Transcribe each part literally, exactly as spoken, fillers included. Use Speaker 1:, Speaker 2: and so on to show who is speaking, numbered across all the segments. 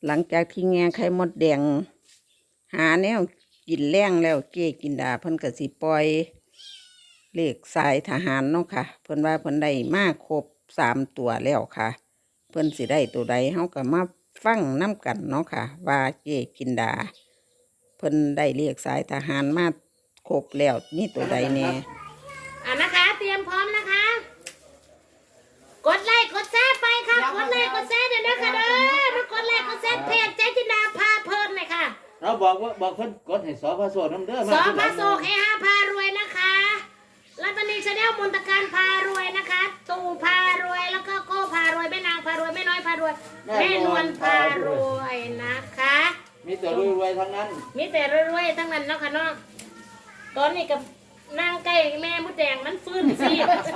Speaker 1: หลังจากที่แง่ไข่มดแดงหาแนวกินแรงแล้วเก้กินดาเพิ่นก็สิปล่อยเลขสายทหารเนาะค่ะเพิ่นว่าเพิ่นได้มาครบสามตัวแล้วค่ะเพิ่นสิได้ตัวใดเฮาก็มาฟังน้ำกันเนาะค่ะว่าเก้กินดาเพิ่นได้เลขสายทหารมาครบแล้วนี่ตัวใดแน่
Speaker 2: อ่ะนะคะเตรียมพร้อมนะคะกดไลค์กดแชร์ไปค่ะกดไลค์กดแชร์เดี๋ยวนะคะเด้อมากดไลค์กดแชร์เพจเจ๊จินดาพาเพลินเลยค่ะ
Speaker 3: เราบอกว่าบอกเพิ่นกดให้สอพระโสดน้ำเด้อ
Speaker 2: สอพระโสดให้ห้าพารวยนะคะรัตนีชาแนลมนตการพารวยนะคะตู่พารวยแล้วก็โก้พารวยแม่นางพารวยแม่น้อยพารวยแม่นวลพารวยนะคะ
Speaker 3: มีแต่รวยๆทั้งนั้น
Speaker 2: มีแต่รวยๆทั้งนั้นเนาะค่ะเนาะตอนนี้กับนางไก่แม่มดแดงมันฟื้นสิ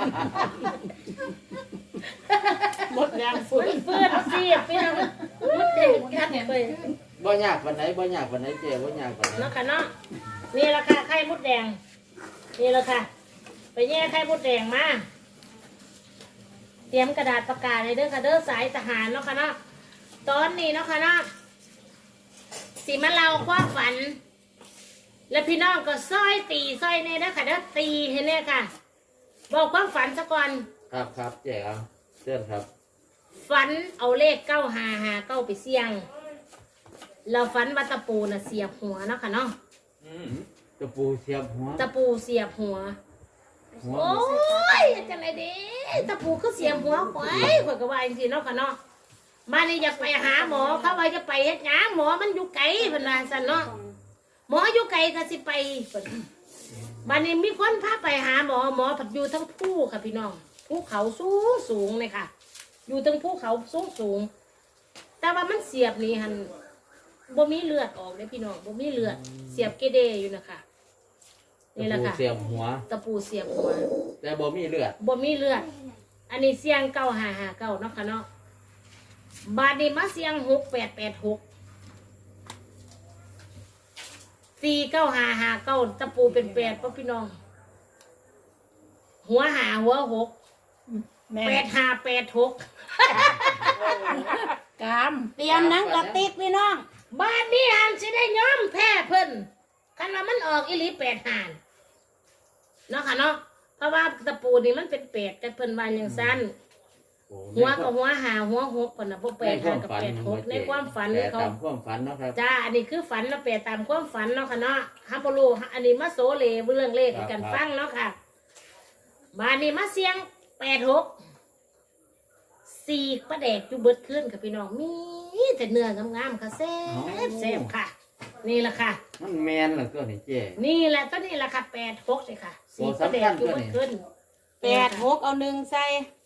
Speaker 2: มดแดงฟื้นฟื้นสิพี่น้องมดแดงกัดไป
Speaker 3: บ่ยากวันไหนบ่ยากวันไหนเจ๊บ่ยากวันไหน
Speaker 2: เนาะค่ะเนาะนี่แหละค่ะไข่มดแดงนี่แหละค่ะไปแย่ไข่มดแดงมาเตรียมกระดาษประกาศเลยเด้อค่ะเด้อสายทหารเนาะค่ะเนาะตอนนี้เนาะค่ะเนาะสิมาเล่าความฝันแล้วพี่น้องก็ซ้อยตีซ้อยเนี่ยนะค่ะเด้อตีให้เนี่ยค่ะบอกความฝันซะก่อน
Speaker 3: ครับครับเจ๊เอาเชิญครับ
Speaker 2: ฝันเอาเลขเก้าหาหาเก้าไปเสี่ยงเราฝันว่าตะปูน่ะเสียบหัวเนาะค่ะเนาะ
Speaker 3: ตะปูเสียบหัว
Speaker 2: ตะปูเสียบหัวโอ้ยจังไรเด้ตะปูคือเสียบหัวข่อยข่อยก็ว่าจริงๆเนาะค่ะเนาะมานี่อยากไปหาหมอเขาว่าจะไปเฮ็ดหยังหมอมันอยู่ไกลเพิ่นว่าซั่นเนาะหมออยู่ไกลก็สิไปบัดนี้มีคนพาไปหาหมอหมอผัดอยู่ทั้งภูค่ะพี่น้องภูเขาสูงสูงเลยค่ะอยู่ทั้งภูเขาสูงสูงแต่ว่ามันเสียบนี่หันบ่มีเลือดออกเลยพี่น้องบ่มีเลือดเสียบเกเดอยู่นะคะนี่แหละค่ะ
Speaker 3: ตะปูเสียบหัว
Speaker 2: ตะปูเสียบหัว
Speaker 3: แต่บ่มีเลือด
Speaker 2: บ่มีเลือดอันนี้เสียงเก้าห้าห้าเก้าเนาะค่ะเนาะบาดนี้มาเสียงหกแปดแปดหกสี่เก้าหาหาเก้าตะปูเป็นแปดพ่อพี่น้องหัวหาหัวหกแปดหาแปดหก
Speaker 1: กามเตรียมนังกระติกพี่น้อง
Speaker 2: บ้านนี้หันสิได้ย้อมแพ้เพิ่นคันว่ามันออกอีหลีแปดหานเนาะค่ะเนาะเพราะว่าตะปูนี่มันเป็นแปดแต่เพิ่นว่าอย่างสั้นหัวกับหัวหาหัวหกคนน่ะพวกแปดหากับแปดหกในความฝันเขา
Speaker 3: ตามความฝันเนาะครับ
Speaker 2: จ้าอันนี้คือฝันเราแปลตามความฝันเนาะค่ะเนาะฮับโลูอันนี้มาโซเลเรื่องเลขกันฟังเนาะค่ะบานนี้มาเสียงแปดหกสี่ประแดกอยู่เบิดขึ้นค่ะพี่น้องมีแต่เนื้องามๆค่ะแซ่บแซ่บค่ะนี่แหละค่ะ
Speaker 3: มันแมนเหรอก็นี่เจ๊
Speaker 2: นี่แหละต้นนี้แหละค่ะแปดหกเลยค่ะสี่ประแดกอยู่เบิดขึ้น
Speaker 1: แปดหกเอาหนึ่งใส่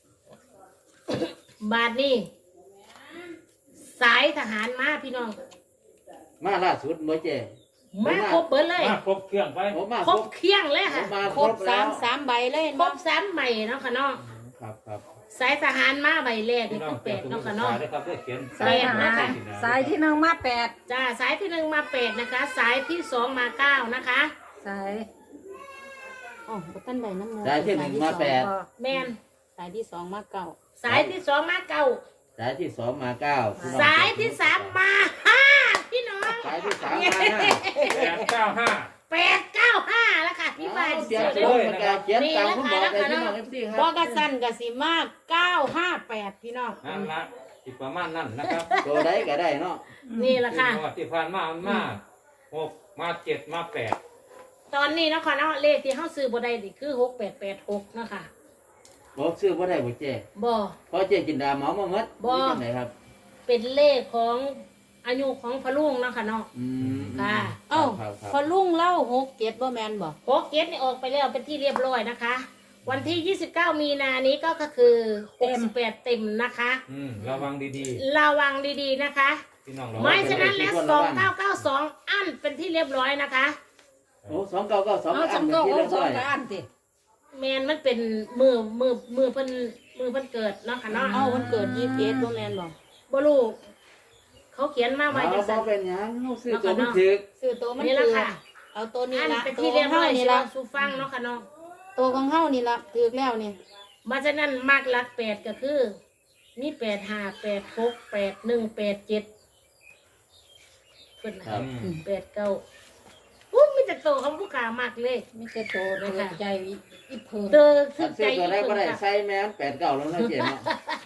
Speaker 2: บาทนี่สายทหารมาพี่น้อง
Speaker 3: มาล่าสุดเมื่อเจ๊
Speaker 2: มาครบเบิดเลย
Speaker 4: มาครบเครื่องไป
Speaker 2: ครบเคียงเลยค่ะ
Speaker 1: ครบสามสามใบเลย
Speaker 2: ครบสามใบเนาะค่ะเนาะ
Speaker 3: ครับครับ
Speaker 2: สายทหารมาใบแรกนี่คือแปดเนาะค่ะเนาะ
Speaker 1: สายทหารสายที่หนึ่งมาแปด
Speaker 2: จ้าสายที่หนึ่งมาแปดนะคะสายที่สองมาเก้านะคะ
Speaker 1: สายอ๋อต้นใบน้ำเงิน
Speaker 3: สายที่หนึ่งมาแปด
Speaker 2: แมน
Speaker 1: สายที่สองมาเก้า
Speaker 2: สายที่สองมาเก้า
Speaker 3: สายที่สองมาเก้า
Speaker 2: สายที่สามมาห้าพี่น้อง
Speaker 3: สายที่สามมาห้า
Speaker 4: แปดเก้าห้า
Speaker 2: แปดเก้าห้าแล้วค่ะพี่บ้าน
Speaker 3: เสียงเลยนะครับเขียนตามคุณบอกเลยพี่น้องเอฟซีครับ
Speaker 1: บอกกระสันกระสีมากเก้าห้าแปดพี่น้อง
Speaker 4: นั่นละอีกประมาณนั้นนะครับ
Speaker 3: ตัวใดก็ได้เนาะ
Speaker 2: นี่แหละค่ะ
Speaker 4: ที่ผ่านมามาหกมาเจ็ดมาแปด
Speaker 2: ตอนนี้นะคะเนาะเลขที่เขาซื้อบ่ได้ดิคือหกแปดแปดหกนะคะ
Speaker 3: บอกซื้อบ่ได้บ่เจ๊
Speaker 2: บ่
Speaker 3: เพราะเจ๊จินดาหมอมาหมด
Speaker 2: บ่
Speaker 3: ไหนครับ
Speaker 2: เป็นเลขของอายุของพระลุงเนาะค่ะเนาะ
Speaker 3: อืม
Speaker 2: ค่ะ
Speaker 1: เอ้าพอลุงเล่าหกเจ็ดบ่แมนบ่
Speaker 2: หกเจ็ดนี่ออกไปแล้วเป็นที่เรียบร้อยนะคะวันที่ยี่สิบเก้ามีนานี้ก็คือหกสิบแปดเต็มนะคะ
Speaker 4: อืมระวังดี
Speaker 2: ๆระวังดีๆนะคะไม่ฉะนั้นแล้วสองเก้าเก้าสองอันเป็นที่เรียบร้อยนะคะ
Speaker 3: โอ้สองเก้าเก้าสองอันเป็นที่เรียบร้อย
Speaker 2: แมนมันเป็นมือมือมือเพิ่นมือเพิ่นเกิดเนาะค่ะเนาะ
Speaker 1: เอาวันเกิดยี่สิบเอ็ดบ่แมนบ่
Speaker 2: บ่รู้เขาเขียนมาไว้
Speaker 3: จังซั่นเป็นหยังซื้อตัวมันถูก
Speaker 1: ซื้อตัวมัน
Speaker 2: นี่ละค่ะ
Speaker 1: เอาตัวนี้ละ
Speaker 2: เป็นที่เรียบร้อยนี่ละสู่ฟังเนาะค่ะเนาะ
Speaker 1: ตัวของเฮานี่ละถูกแล้วนี่
Speaker 2: มาฉะนั้นมากหลักแปดก็คือมีแปดห้าแปดหกแปดหนึ่งแปดเจ็ดพิ่นน่ะ
Speaker 3: ครับ
Speaker 4: อืม
Speaker 2: แปดเก้าอู้มีแต่โตของผู้ขามากเลย
Speaker 5: มีแต่โตเลยค่ะใจอีเพิ่ง
Speaker 2: เตอถึ
Speaker 3: ถ้าง ซื้
Speaker 2: ใจ
Speaker 3: อตัว
Speaker 2: อี
Speaker 3: ได้
Speaker 2: ก
Speaker 3: บ่
Speaker 2: เพิ่น
Speaker 3: ได้
Speaker 2: ค่ะ
Speaker 3: ใส่แม่นแปดเก้าแล้วเนาะเจ๊เนาะ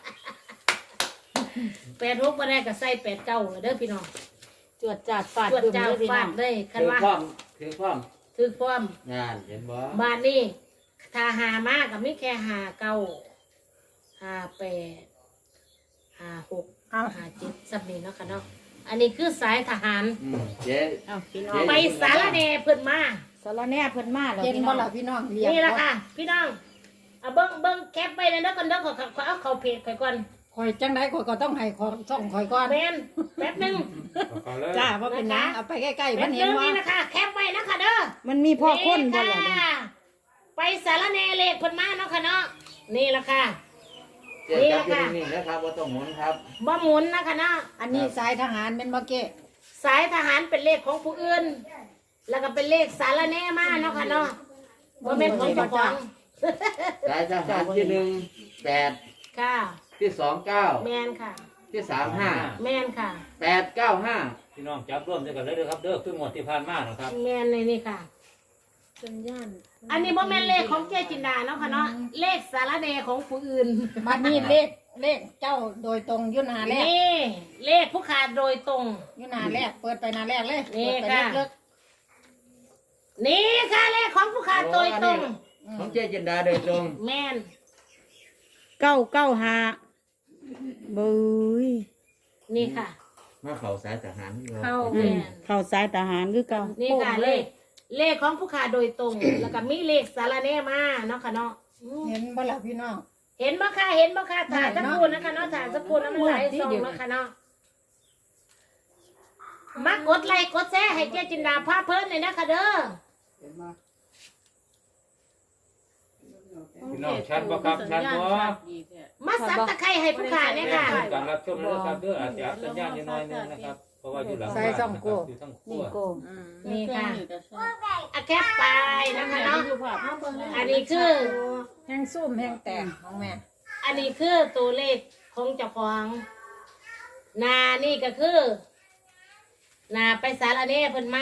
Speaker 2: แปดหกบ่ได้ก็ใส่แปดเก้าเด้อพี่น้อง
Speaker 5: จวดจาดฟาด
Speaker 2: ตรวจ
Speaker 5: บึ้ม
Speaker 2: จ้า
Speaker 5: เลยพี่น้
Speaker 2: ฟา
Speaker 5: อ
Speaker 2: ด
Speaker 5: ง
Speaker 2: เลยคัน
Speaker 3: ถือ
Speaker 2: ว่า
Speaker 3: พร้อมถือพร้อม
Speaker 2: ถือความ
Speaker 3: งานเห็นบ่
Speaker 2: บาทนี้ถ้าหามากก็มีแค่หาเก้าหาแปดหาหก
Speaker 5: เอา
Speaker 2: หาเจ็ดสับนี้เนาะค่ะเนาะอันนี้คือสายทหาร
Speaker 3: อืมเจ๊
Speaker 5: เอาพี่น้อง
Speaker 2: ไปสารแหน่เพิ่นมา
Speaker 5: สารแหน่เพิ่นมาแล้วเห็นบ่ล่ะพี่น้องเรียก
Speaker 2: นี่แหละค่ะ พี่น้องเอาเบิ้งเบิ้งแคปไปเลยนะก่อนเด้อขอขอเอาเข้าเพจข่อยก่อน
Speaker 5: คอยจังได๋ข่อยก็ต้องให้ขอส่องข่อยก่อน
Speaker 2: แมนแป๊บหนึง
Speaker 4: เอาเลย
Speaker 5: จ้าว่าเป็นหยังเอาไปใกล้ๆ
Speaker 2: แป๊
Speaker 5: มั
Speaker 2: บ
Speaker 5: น
Speaker 2: ห
Speaker 5: เห็
Speaker 2: นึ
Speaker 5: น
Speaker 2: ง
Speaker 5: บ่
Speaker 2: นี่นะคะแคปไว้นะคะเด้อ
Speaker 1: มันมีพ่อคนบ่ล่ะ
Speaker 2: นี่
Speaker 1: เด้อ
Speaker 2: ค่ะไปสารแหน่เลขเพิ่นมาเนาะค่ะเนาะนี่ละค่ะ
Speaker 3: เจ๊จับอยู่นิ่งๆนะครับบ่ต้องหมุนครับ
Speaker 2: บ่หมุนนะคะเนาะ
Speaker 5: อันนี้สายทหารเป็นบ่เก้
Speaker 2: สายทหารเป็นเลขของผู้อื่น แล้วก็เป็นเลขสารแหน่มาเนาะค่ะเนาะบ่แม่นของเจ้าของ
Speaker 3: สายทหารที่หนึ่งแปด
Speaker 2: ค่ะ
Speaker 3: ที่สองเก้า
Speaker 2: แมนค่ะ
Speaker 3: ที่สามห้า
Speaker 2: แมนค่ะ
Speaker 3: แปดเก้าห้า
Speaker 4: พี่น้องจับร่วมด้วยกันเลยเด้อครับเด้อครึ่งวันที่ผ่านมานะครับ
Speaker 2: แมนในนี่ค่ะ
Speaker 5: สัญญาณ
Speaker 2: อันนี้บ่แม่นเลขของเจจินดาเนาะค่ะเนาะเลขสารแหน่ของผู้อื่น
Speaker 5: บัดนี้เลขเลขเจ้าโดยตรงอยู่หน้าแรก
Speaker 2: นี่เลขผู้ขาดโดยตรง
Speaker 5: อยู่หน้าแรกเปิดไปหน้าแรกเลย
Speaker 2: นี่
Speaker 5: เปิดไป
Speaker 2: ค่ะ
Speaker 5: ลึก
Speaker 2: นี่ค่ะเลขของผู้ขาดโดยตรง
Speaker 3: ของเจ๊จินดาโดยตรง
Speaker 2: แมน
Speaker 1: เก้าเก้าห้าบุย
Speaker 2: นี่ค่ะ
Speaker 3: มาเขาสายทหารที่เรา
Speaker 2: เข้า
Speaker 1: อื
Speaker 2: แม
Speaker 1: ม
Speaker 2: น
Speaker 1: เข้าสายทหารคือเก่า
Speaker 2: นี่ค่ะเลขเลขของผู้ขาดโดยตรง แล้วก็มีเลขสารแหน่มาเนาะค่ะเนาะอืม
Speaker 5: ๆเห็นบ่ล่ะพี่น้อง
Speaker 2: เห็นบ่ค่ะเห็นบ่ค่ะถ่าย
Speaker 5: เห็
Speaker 2: สั
Speaker 5: น
Speaker 2: ก
Speaker 5: เนาะ
Speaker 2: ครู่นะคะเนาะถ่ายสักครู่น้ำลายส่งเนาะค่ะเนาะมากดไลค์กดแชร์ให้เจ๊จินดาพาเพิ่นเลยนะคะเด้อ
Speaker 4: พี่น้องชัดบ่ครับชัดบ่
Speaker 2: มาซับตะไคร้ให้ผู้ขาเนี่ยค่ะ
Speaker 4: การรับชมเลยนะครับเด้ออาจจะอัดสัญญาณนิดหน่อยนึงนะครับเพราะว่าอยู่หลังบ้านนะครับอยู่ทั้งครั
Speaker 5: นี่
Speaker 4: ว
Speaker 5: โก
Speaker 2: นี่ค่ะอะแคปไปนะคะเนาะอันนี้คือ
Speaker 5: แห้งซุ่มแห้งแตกของแม่
Speaker 2: อันนี้คือตัวเลขของเจ้าของนานี่ก็คือนาไปสารเน่เพิ่นมา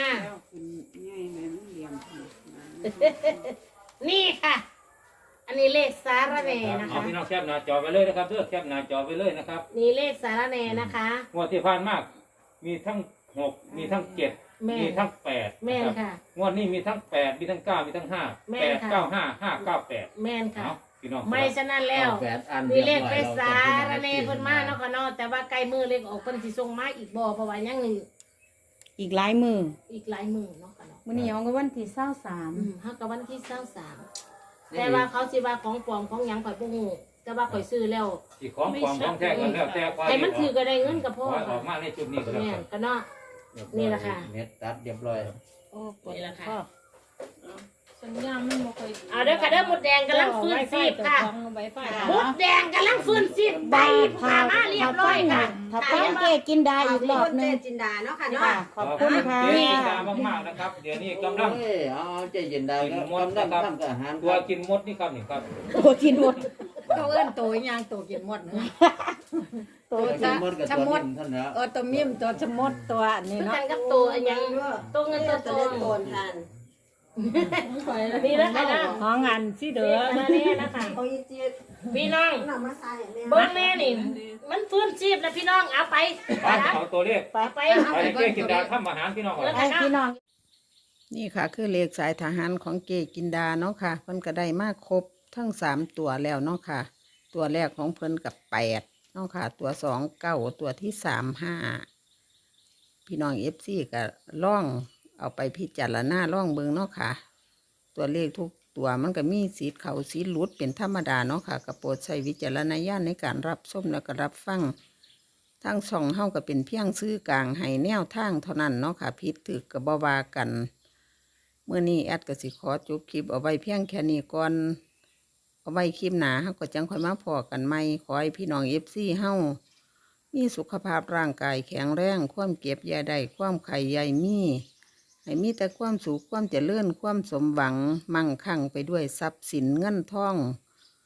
Speaker 2: นี่ค่ะ อันนี้เลขสารเน่นะ
Speaker 4: เอา
Speaker 2: คะ
Speaker 4: พี่น้องแคปหน้าจอไปเลยนะครับเด้อแคปหน้าจอไปเลยนะครับ
Speaker 2: นี่เลขสารเน่นะคะ
Speaker 4: งวดที่ผ่านมามีทั้งหกมีทั้งเจ็ด
Speaker 2: แม่
Speaker 4: มีทั้งแปด
Speaker 2: แม่น
Speaker 4: นะครับ
Speaker 2: ค่ะ
Speaker 4: งวดนี้มีทั้งแปดมีทั้งเก้ามีทั้งห้า
Speaker 2: แม่
Speaker 4: แป
Speaker 2: น
Speaker 4: ด
Speaker 2: ค่ะ
Speaker 4: เก้าห้าห้าเก้าแปด
Speaker 2: แม่นค่ะ
Speaker 4: เอาพี่น้อง
Speaker 2: ไม่ฉะนั้นแล้ว
Speaker 3: เอาแปดอัน
Speaker 2: มีเลขไป
Speaker 3: รียบร้อย
Speaker 2: สา
Speaker 3: แล้
Speaker 2: ร
Speaker 3: ว
Speaker 2: เน่เพิ่นมาเนาะค่ะเนาะแต่ว่าไกลมือเลขออกเพิ่นสิส่งมาอีกบ่เพราะว่ายังหนึ่ง
Speaker 1: อีกหลายมือ
Speaker 2: อีกหลายมือเนาะค่ะเนาะ
Speaker 1: มื้อนี้เอาก็วันที่เศร้าสาม
Speaker 2: อืมเฮากับวันที่เศร้าสามแต่ว่าเขาสิว่าของปลอมของหยังข่อยบ่ฮู้แต่ว่าข่อยซื้อแล้ว
Speaker 4: อีกของความของแท้กันแล้วแต่ความ
Speaker 2: ให้มันถือก็ได้เงินกับพ่อ
Speaker 4: ขอให้ออกมาในจุดนี้ก็แล้ว
Speaker 2: แม่
Speaker 4: กัน
Speaker 2: นก็เนาะ นี่แหละค่ะ
Speaker 3: เน็ตตัดเรียบร้อย
Speaker 5: โอ้ปวด
Speaker 2: นี่แหละค่ะ
Speaker 5: ข้อสัญญาณมันบ่ค่อย
Speaker 2: เอาเด้อค่ะเด้อหมดแดงกำลังฟื้นซีบค่ะ
Speaker 5: ไวไฟ
Speaker 2: หมดแดงกำลังฟื้นซีบใบผ่ามาเรียบร้อยค่ะ
Speaker 1: ถ้าฟังเก้กินดาอีกรอบหนึง
Speaker 6: จินดาเนาะค่ะเนาะ
Speaker 1: ค่ะขอบคุณค่ะ
Speaker 4: เจ๊จินดามากๆนะครับ เดี๋ยวนี้กำลัง
Speaker 3: โอ้ยเอาเจ๊จินดา
Speaker 4: กิน
Speaker 3: ก็
Speaker 4: มด
Speaker 3: กำลั
Speaker 4: นะ
Speaker 3: ง
Speaker 4: ครับ
Speaker 3: ทำกับอาหาร
Speaker 4: ตัวกินมดนี่ครับนี่ครับ
Speaker 1: ตัวกินหมด
Speaker 5: เขาเอิ้นตัวอีหยังตัวกินหมดเนาะ
Speaker 3: ตัวกินมดกับตัวนิ่มเท่านนแหล้ว
Speaker 5: เออตัวมิมตัวชะมดตัวนี่
Speaker 2: คือ
Speaker 5: เนาะ
Speaker 2: กันกับตัวอันหยังตัวเงินตัวท
Speaker 6: ตัว
Speaker 2: อ
Speaker 6: เล่
Speaker 2: ง
Speaker 6: นโกนทาน
Speaker 2: นี่แล้วค่ะนะ
Speaker 5: ของอันสิเด้
Speaker 2: เด้
Speaker 5: อ
Speaker 2: อมาแน่นะคะ
Speaker 6: โอ้ยจีด
Speaker 2: พี่น้อง
Speaker 6: หนังมาใส่เนี่ย
Speaker 2: เบิ้งแม่นี่ มันฟื้นชีพแล้วพี่น้องเอาไป
Speaker 4: ไปเอาตัวเลข
Speaker 2: ไปไป
Speaker 4: ไปเจ๊จินดาทำอาหารพี่น้องก่อน
Speaker 2: แล้ว
Speaker 1: ไอ้
Speaker 2: กัน
Speaker 1: พี่
Speaker 2: เนาะ
Speaker 1: น้อง นี่ค่ะ คือเลขสายทหารของเกกินดาเนาะค่ะ เพิ่นก็ได้มาครบทั้งสามตัวแล้วเนาะค่ะ ตัวแรกของเพิ่นกับแปดเนาะค่ะ ตัวสองเก้าตัวที่สามห้าพี่น้องเอฟซีก็ล่องเอาไปพิจารณาล่องเบิงเนาะค่ะ ตัวเลขทุกตัวมันก็มีสีเขาสีหลุดเป็นธรรมดาเนาะค่ะกระโปรดใช้วิจารณญาณในการรับชมและก็รับฟังทั้งสองเฮาก็เป็นเพียงซื้อกลางให้แนวทางเท่านั้นเนาะค่ะผิดถือกับบาวากันเมื่อนี้แอดก็สิขอจบคลิปเอาไว้เพียงแค่นี้ก่อนเอาไว้คลิปหนาเฮาก็จังค่อยมาพอกันใหม่ขอให้พี่น้องเอฟซีเฮามีสุขภาพร่างกายแข็งแรงความเก็บอยาได้ความไข่ใหญ่มีให้มีแต่ความสุขความเจริญความสมหวังมั่งคั่งไปด้วยทรัพย์สินเงินทอง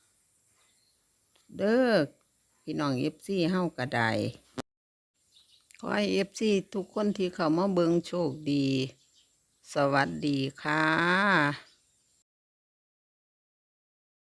Speaker 1: เด้อพี่น้องเอฟซีเฮาก็ได้ขอให้เอฟซีทุกคนที่เข้ามาเบิงโชคดี สวัสดีค่ะ